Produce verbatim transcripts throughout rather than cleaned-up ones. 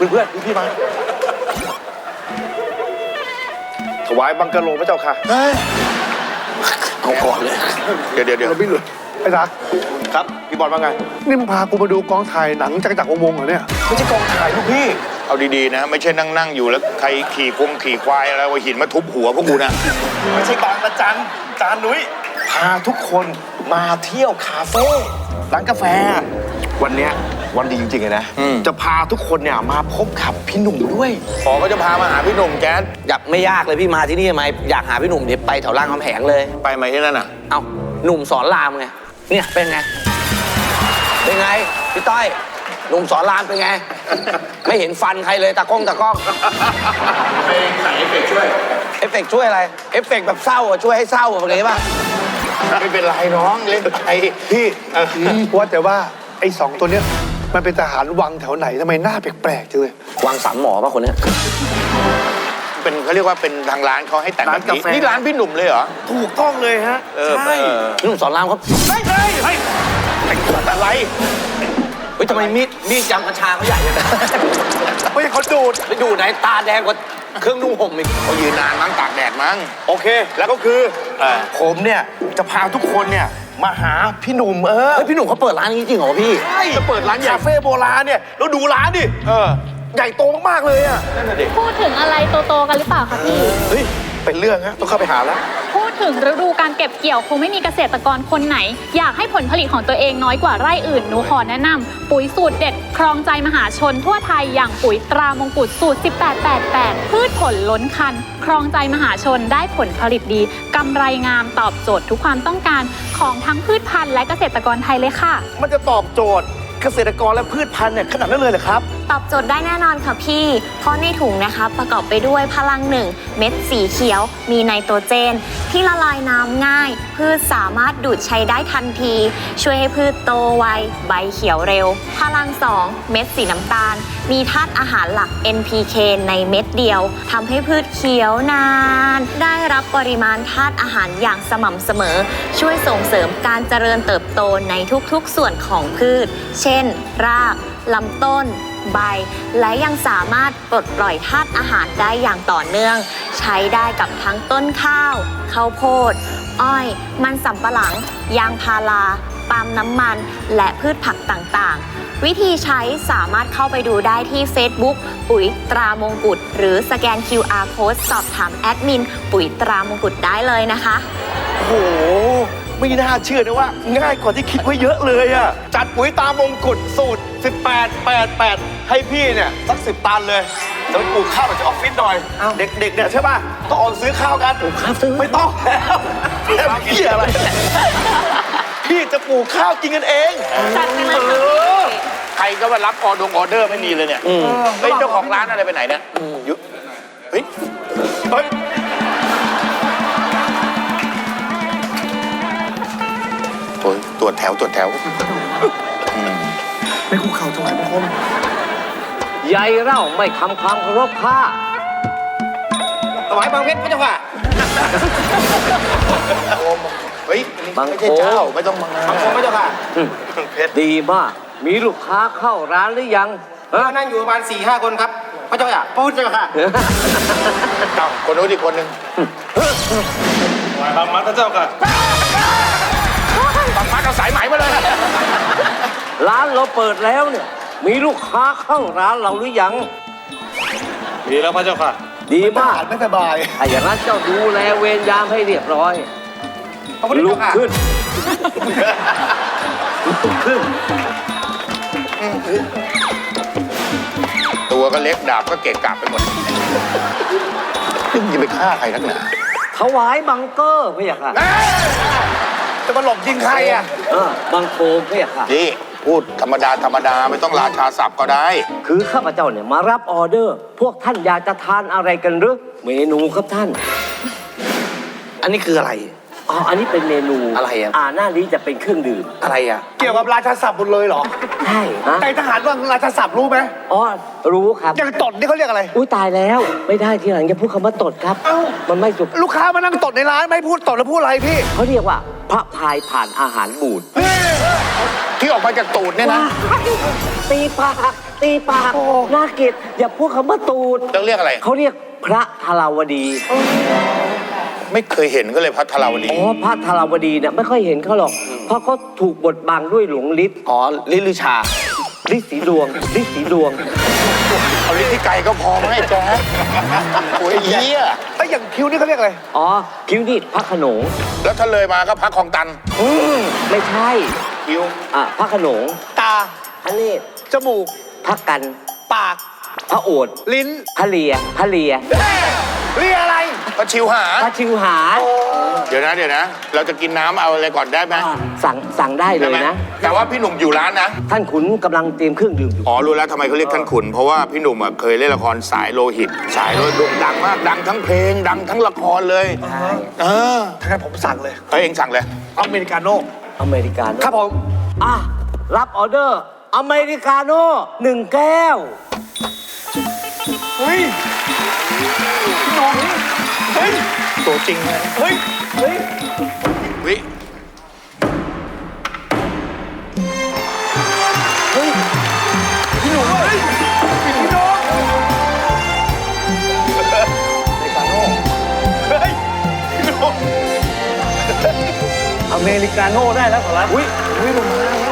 เพื่อนๆพี่มาถวายบังกะโลพระเจ้าค่ะเอาก่อนเลยเดี๋ยวเดี๋ยวเดี๋ยวพี่หลุดไอ้รักครับพี่บอลว่าไงนี่มึงพากูมาดูกองถ่ายหนังจักรจักรวงศ์เหรอเนี่ยไม่ใช่กองถ่ายลูกพี่เอาดีๆนะไม่ใช่นั่งนั่งอยู่แล้วใครขี่คงขี่ควายอะไรวะหินมาทุบหัวพวกกูนะไม่ใช่บางประจันจานนุ้ยพาทุกคนมาเที่ยวคาเฟ่ร้านกาแฟวันเนี้ยวันดีจริงๆเลยนะจะพาทุกคนเนี่ยมาพบกับพี่หนุ่มด้วยขอก็จะพามาหาพี่หนุ่มแจ๊ดอยากไม่ยากเลยพี่มาที่นี่ทำไมอยากหาพี่หนุ่มเดี๋ยวไปแถวรามคำแหงเลยไปไหมที่นั่นอ่ะเอ้าหนุ่มสอนรามไงเนี่ยเป็นไงเป็นไงพี่ต้อยหนุ่มสอนรามเป็นไงไม่เห็นฟันใครเลยตากล้องตากล้องไปใส่เอฟเฟกช่วยเอฟเฟกช่วยอะไรเอฟเฟกแบบเศร้าอ่ะช่วยให้เศร้าอะไรป่ะไม่เป็นไรน้องเล่นไปพี่ว่าแต่ว่าไอ้สองตัวเนี้ยมันเป็นทหารวังแถวไหนทำไมหน้าแปลกๆจังเลยวังสามหมอป่ะคนเนี้ยเป็นเขาเรียกว่าเป็นทางร้านเขาให้แต่งแบบนี้นี่ร้านพี่หนุ่มเลยเหรอถูกต้องเลยฮะใช่หนุ่มสอนรามครับไม่ใช่เฮ้ยแต่งตัวอะไรเฮ้ยทำไมมีดมีดยำกระชาเขาใหญ่เลยนะไม่ใช่เขาดูดไปดูไหนตาแดงกว่าเครื่องนุ่งห่มอีกเขายืนนานมั้งตากแดดมั้งโอเคแล้วก็คือผมเนี่ยจะพาทุกคนเนี่ยมาหาพี่หนุ่มเออพี่หนุ่มเขาเปิดร้านนี้จริงเหรอพี่ใช่จะเปิดร้านคาเฟ่โบราณเนี่ยแล้วดูร้านดิเออใหญ่โตมากๆเลยอ่ะนั่นแหละดิพูดถึงอะไรโตๆกันหรือเปล่าคะพี่เฮ้ยเป็นเรื่องฮะต้องเข้าไปหาแล้วพูดถึงฤดูการเก็บเกี่ยวคงไม่มีเกษตรกรคนไหนอยากให้ผลผลิตของตัวเองน้อยกว่าไร่อื่นหนูขอแนะนำปุ๋ยสูตรเด็ดครองใจมหาชนทั่วไทยอย่างปุ๋ยตรามงกุฎสูตรสิบแปด แปด แปดพืชผลล้นคันครองใจมหาชนได้ผลผลิตดีกำไรงามตอบโจทย์ทุกความต้องการของทั้งพืชพันธุ์และเกษตรกรไทยเลยค่ะมันจะตอบโจทย์เกษตรกรและพืชพันธุ์เนี่ยขนาดนั้นเลยเหรอครับตอบโจทย์ได้แน่นอนค่ะพี่เพราะในถุงนะคะประกอบไปด้วยพลังหนึ่งเม็ดสีเขียวมีไนโตรเจนที่ละลายน้ำง่ายพืชสามารถดูดใช้ได้ทันทีช่วยให้พืชโตไวใบเขียวเร็วพลังสองเม็ดสีน้ำตาลมีธาตุอาหารหลัก เอ็น พี เค ในเม็ดเดียวทำให้พืชเขียวนานได้รับปริมาณธาตุอาหารอย่างสม่ำเสมอช่วยส่งเสริมการเจริญเติบโตในทุกๆส่วนของพืชเช่นรากลำต้นใบและยังสามารถปลดปล่อยธาตุอาหารได้อย่างต่อเนื่องใช้ได้กับทั้งต้นข้าวข้าวโพดอ้อยมันสำปะหลังยางพาราปาล์มน้ำมันและพืชผักต่างๆวิธีใช้สามารถเข้าไปดูได้ที่ Facebook ปุ๋ยตรามงกุฎหรือสแกน คิว อาร์ Code สอบถามแอดมินปุ๋ยตรามงกุฎได้เลยนะคะโอ้โหไม่น่าเชื่อนะว่าง่ายกว่าที่คิดไว้เยอะเลยอ่ะจัดปุ๋ยตามงกุฎสูตรสิบแปด แปด แปดให้พี่เนี่ยสักสิบตันเลยจะไปปลูกข้าวจากออฟฟิศหน่อยเด็กๆเนี่ยใช่ป่ะต้องออกซื้อข้าวกันปลูกข้าวซื้อไม่ต้องแล้วพี่อะไรพี่จะปลูกข้าวกินกันเองจัดไปเลยค่ะใครก็มารับออดงออเดอร์ไม่มีเลยเนี่ยเฮ้ยเจ้าของร้านอะไรไปไหนเนี่ยยุเฮ้ยเฮ้ยโอ้ยตรวจแถวตรวจแถวไม่คุกเข่าถวายบังคมใหญ่เล่าไม่ทำความเคารพข้าถวายบางเพชรพระเจ้าค่ะเฮ้ยไม่ใช่เจ้าไม่ต้องมาบางคมพระเจ้าค่ะเพชรดีมากมีลูกค้าเข้าร้านหรือยังนั่งอยู่ประมาณสี่ห้าคนครับพระเจ้าค่ะพูดเจ้าค่ะเอ้าคนนู้นอีกคนนึงถวายบางมัดพระเจ้าค่ะบางมัดเอาสายไหมมาเลยร้านเราเปิดแล้วเนี่ยมีลูกค้าเข้าร้านเราหรือยังดีแล้วพระเจ้าค่ะดีมากไม่สบายไอ้อย่างนั้นเจ้าดูแลเวรยามให้เรียบร้อยลุกขึ้นลุกขึ้นตัวก็เล็กดาบก็เกะกะไปหมดนี่มึงจะไปฆ่าใครนักหนาถวายบังเกอร์พี่ค่ะจะมาหลบยิงใครอ่ะบังโคมพี่ค่ะนี่พูดธรรมดาธรรมดาไม่ต้องราชาศัพท์ก็ได้คือข้าพเจ้าเนี่ยมารับออเดอร์พวกท่านอยากจะทานอะไรกันหรือเมนูครับท่านอันนี้คืออะไรอ๋ออันนี้เป็นเมนูอะไรอ่ะอ่าหน้านี้จะเป็นเครื่องดื่มอะไรอ่ะเกี่ยวกับราชาศัพท์หมดเลยเหรอใช่ในทหารว่าราชาศัพท์รู้ไหมอ๋อรู้ครับอย่างตดนี่เขาเรียกอะไรอุ้ยตายแล้วไม่ได้ทีหลังจะพูดคำว่าตดครับเอ้ามันไม่ถูกลูกค้ามานั่งตดในร้านไม่พูดตดแล้วพูดอะไรพี่เขาเรียกว่าพระพายผ่านอาหารบูดที่ออกมาจากตูดเนี่ยนะตีปากตีปากน่าเกลียดอย่าพูดคำว่าตูดต้องเรียกอะไรเขาเรียกพระธาราวดีไม่เคยเห็นก็เลยพัทราวดีอ๋อพระธาราวดีเนี่ยไม่ค่อยเห็นเขาหรอก เพราะเขาถูกบดบังด้วยหลวงฤทธิ์อ๋อลิลือชาฤทธิ์สีดวงฤทธิ์สีดวงเอาลิ้นที่ไกลก็พอไหมแจ๊คโอ้ยเหี้ยไอ้อย่างคิ้วนี่เขาเรียกอะไรอ๋อคิ้วนี่พระโขนงแล้วถ้าเลยมาก็พักคลองตันอืมไม่ใช่คิ้วอ่ะพระโขนงตาพระเนตรจมูกพระกันปากพระโอษฐ์ลิ้นพระเลียพระเลียเรียกอะไรก็ชิวหาพระชิวหาเดี๋ยวนะเดี๋ยวนะ เราจะกินน้ำเอาอะไรก่อนได้ไหมสั่งสั่งได้เลได้ยไหมนะแต่ว่าพี่หนุ่มอยู่ร้านนะท่านขุนกำลังเตรียมเครื่องดื่มอยู่อ๋อรู้แล้วทำไมเขาเรียกท่านขุน เพราะว่าพี่หนุ่มอ่ะเคยเล่นละครสายโลหิต สายโลหิตโด่งดังมากดังทั้งเพลง ดังทั้งละครเลยเออถ้างั้นผมสั่งเลยเฮ้ยเองสั่งเลยอเมริกาโน่อเมริกาโน่ครับผมอ่ะรับออเดอร์ อเมริกาโน่หนึ่งแก้วเฮ้ยพี่หน้องเฮ้ยตัวจริงเลยเฮ้ย เฮ้ยวิเฮ้ย พี่หนุ่มเฮ้ย พี่น้องอเมริกาโน่เฮ้ย พี่หนุ่มอเมริกาโน่ได้แล้วขอรับอุ้ยอุ้ยลงมาแล้ว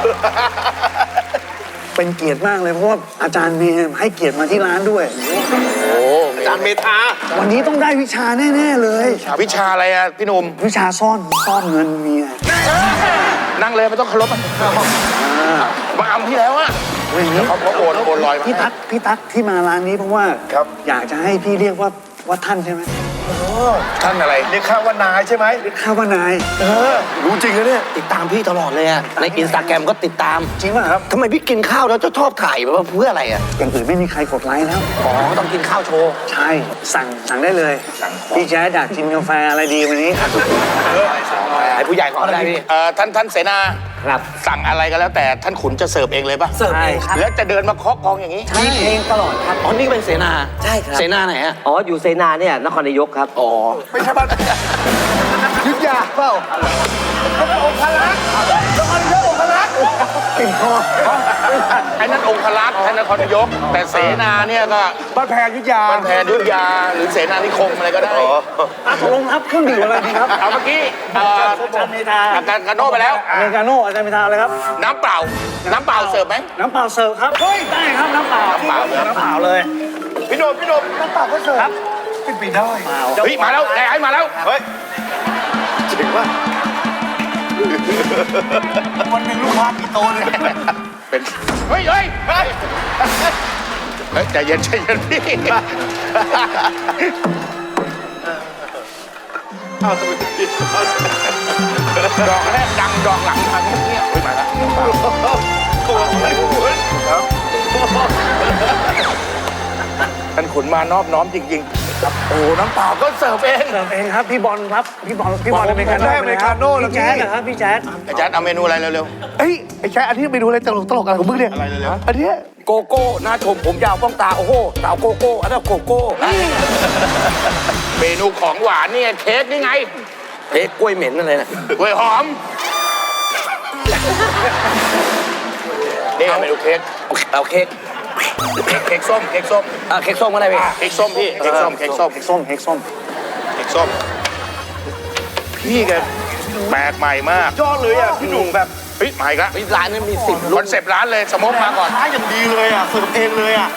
เป็นเกียรติมากเลยเพราะว่าอาจารย์เมย์ให้เกียรติมาที่ร้านด้วยโอ้อาจารย์เมธาวันนี้ต้องได้วิชาแน่ๆเลยวิชาอะไรอ่ะพี่หนุ่มวิชาซ่อนซ่อนเงินเมียนั่งเลยไม่ต้องเคารพอ่ะมาอำที่แล้วอ่ะอย่างนี้เขาเขาโอนโอนลอยมาพี่ตั๊กพี่ตั๊กที่มาร้านนี้เพราะว่าครับอยากจะให้พี่เรียกว่าว่าท่านใช่ไหมท่านอะไรเรียกข้าว่านายใช่ไหมเรียกข้าว่านายเออ รู้จริงนะเนี่ยติดตามพี่ตลอดเลยอะในอินสตาแกรมก็ติดตามจริงป่ะครับทำไมพี่กินข้าวแล้วจะชอบถ่ายแบบว่าเพื่ออะไรอะอย่างอื่นไม่มีใครกดไลค์แล้วอ๋อต้องกินข้าวโชว์ใช่สั่งสั่งได้เลยพี่แจ๊ดอยากกินกาแฟอะไรดีวันนี้ไอ้ผู้ใหญ่ขออะไรพี่เอ่อท่านท่านเสนาครับสั่งอะไรก็แล้วแต่ท่านขุนจะเสิร์ฟเองเลยป่ะเสิร์ฟเองครับแล้วจะเดินมาเคาะกองอย่างนี้มีเพลงตลอดครับอ๋อนี่เป็นเสนาใช่ครับเสนาไหนฮะอ๋อ อยู่เซนาเนี่ยนครนายกครับอ๋อไม่ใช่บ้านยุทธยาเปล่าองค์พระลักษณ์แล้วมันเยอะองค์พระลักษณ์ติ่มคอไอ้นั่นองครักษ์ท่านนครนายก แต่เสนาเนี่ยก็บ้านแพงยุทธยาบ้านแพนยุทธยาหรือเสนานิคมอะไรก็ได้อ่ะตกลงครับเครื่องดื่มอะไรดีครับเอาเมื่อกี้เอ่ออาจารย์เมธาอาการกาโน่ไปแล้วอเมริกาโน่อาจารย์เมธาอะไรครับน้ำเปล่า น้ำเปล่าเสิร์ฟไหมน้ำเปล่าเสิร์ฟครับเฮ้ยได้ครับน้ำเปล่าน้ำเปล่าน้ำเปล่าเลยพี่หนุ่มพี่หนุ่มน้ำเปล่าก็เสิร์ฟครับเป็นปีได้เฮ้ยมาแล้วไอ้ไอ้มาแล้วเฮ้ยจริงป่ะวันหนึ่งลูกค้ากี่โตเนี่ยเป็น เฮ้ยเฮ้ยเฮ้ยเฮ้ยใจเย็นใจเย็นพี่เอาทำไมถึงกินดอกแรกดังดอกหลังทางเงียบๆเฮ้ยมาแล้วน้ำเปล่าโอ้ยคุณครับท่านขุนมานอบน้อมจริงๆครับโอ้น้ำเปล่าก็เสิร์ฟเองเสิร์ฟเองครับพี่บอลครับพี่บอลพี่บอลอเมริกาโน่ได้อเมริกาโน่แล้วพี่แจ๊ดนะครับพี่แจ๊ดอาจารย์เอาเมนูอะไรเร็วเฮ้ยไอ้ชายอันนี้ไปดูอะไรตลกตลกอะไรของมึงเนี่ยอะไรเร็วอันเนี้ยโกโก้หน้าชมผมยาวป้องตา โอ้โหสาวโกโก้ อันนั้นโกโก้ๆ เมนูของหวานนี่ไงเค้กนี่ไงเค้กกล้วยเหม็นอะไรนะกล้วยหอม นี่เมนูเค้กเอาเค้กเค้กเค้กส้ม เค้กส้มเอ่อเค้กส้มก็ได้พี่เค้กส้มพี่ เค้กส้ม เค้กส้มเค้กส้มเค้กส้มเค้กส้ม พี่แกแปลกใหม่มากยอดเลยอ่ะพี่หนุ่มแบบเฮ้ยมาอีกแล้วร้านนี้มีสิบครุ่อน นเซปต์ร้านเลยสโมกมาก่อนร้านอย่างดีเลยอ่ะเสิร์ฟเองเลยอ่ะ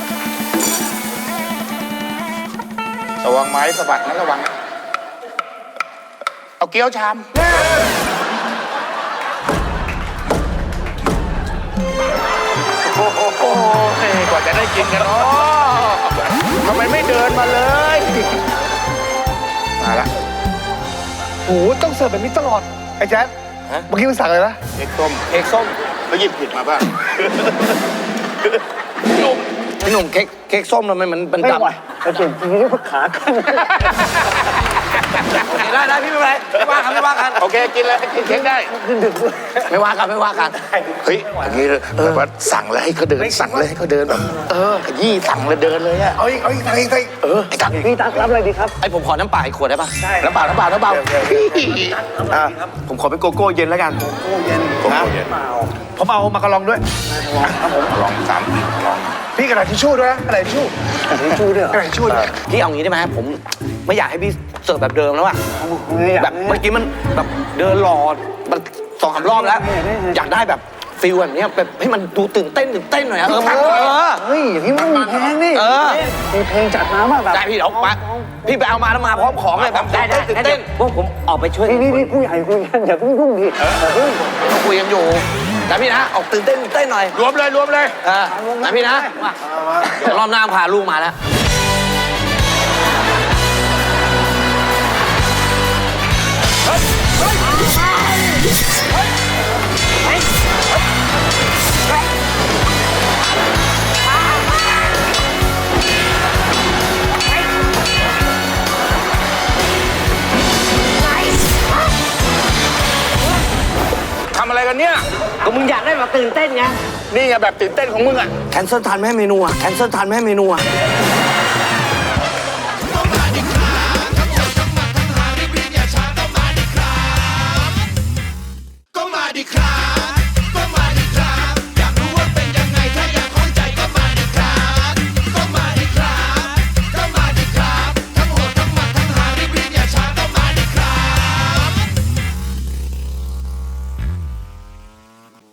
ระวังไม้สะบัดนะระวัง เอาเกี๊ยวชาม โอ้โหกว่าจะได้กินกันเนาะทำไมไม่เดินมาเลย มาละโอ้โหต้องเสิร์ฟแบบนี้ตลอดไอ้แจ๊ดเมื่อกี้มึงสั่งอะไรนะเค้กส้มเค้กส้มแล้วหยิบผิดมาป่ะพี่หนุ่มพี่หนุ่มเค้กเค้กส้มทำไมมันมันไม่ดำไหวไอ้เก่งจริงๆขาขึ้นได้ได้พี่ไม่เป็นไรไม่ว่ากันไม่ว่ากันโอเคกินเลยกินเค้กได้ไม่ว่ากันไม่ว่ากันเฮ้ยอย่างนี้แบบว่าสั่งเลยให้เขาเดินสั่งเลยให้เขาเดินแบบเออขยี้สั่งเลยเดินเลยอะเอาอีกเอาอีกเอาอีกเออไอ้ตักพี่ตักรับอะไรดีครับไอ้ผมขอน้ำเปล่าอีกขวดได้ปะน้ำเปล่าน้ำเปล่าน้ำเปล่าอ่ะผมขอเป็นโกโก้เย็นแล้วกันโกโก้เย็นผมเอามากระลองด้วยครับผมลองสามปีลองพี่กระดาษทิชชู่ด้วยนะกระดาษทิชชู่ทิชชู่ด้วยเหรอกระดาษทิชชู่ด้วยพี่เอางี้ได้ไหมผมไม่อยากให้พี่เสิร์ฟแบบเดิมแล้วอะ แบบเมื่อกี้มันแบบเดินหลอดมันสองสามรอบแล้ว อยากได้แบบฟิลแบบเนี้ยแบบให้มันดูตื่นเต้นตื่นเต้นหน่อยอะเออเออเฮ้ยอย่างนี้มันมีเพลงนี่เออมีเพลงจัดมาว่าแบบได้พี่เดี๋ยวมาพี่ไปเอามาแล้วมาพร้อมของเลยแบบได้ได้ตื่นงั้นเต้เดี๋ยนวพวกผมออกไปช่วยนี่นี่ผู้ใหญ่คุยกันอย่าเพิ่งยุ่งดิเฮ้ยเราคุยกันอยู่นะพี่นะออกตื่นเต้นตื่นเต้นหน่อยรวมเลยรวมเลยเออนะพี่นะเดี๋ยวรอบหน้าพาลูกมาแล้วทำอะไรกันเนี่ยก็มึงอยากได้แบบตื่นเต้นไงนี่ไงแบบตื่นเต้นของมึงอ่ะแคนเซิลทันไหมเมนูอะแคนเซิลทันไหมเมนูอะเ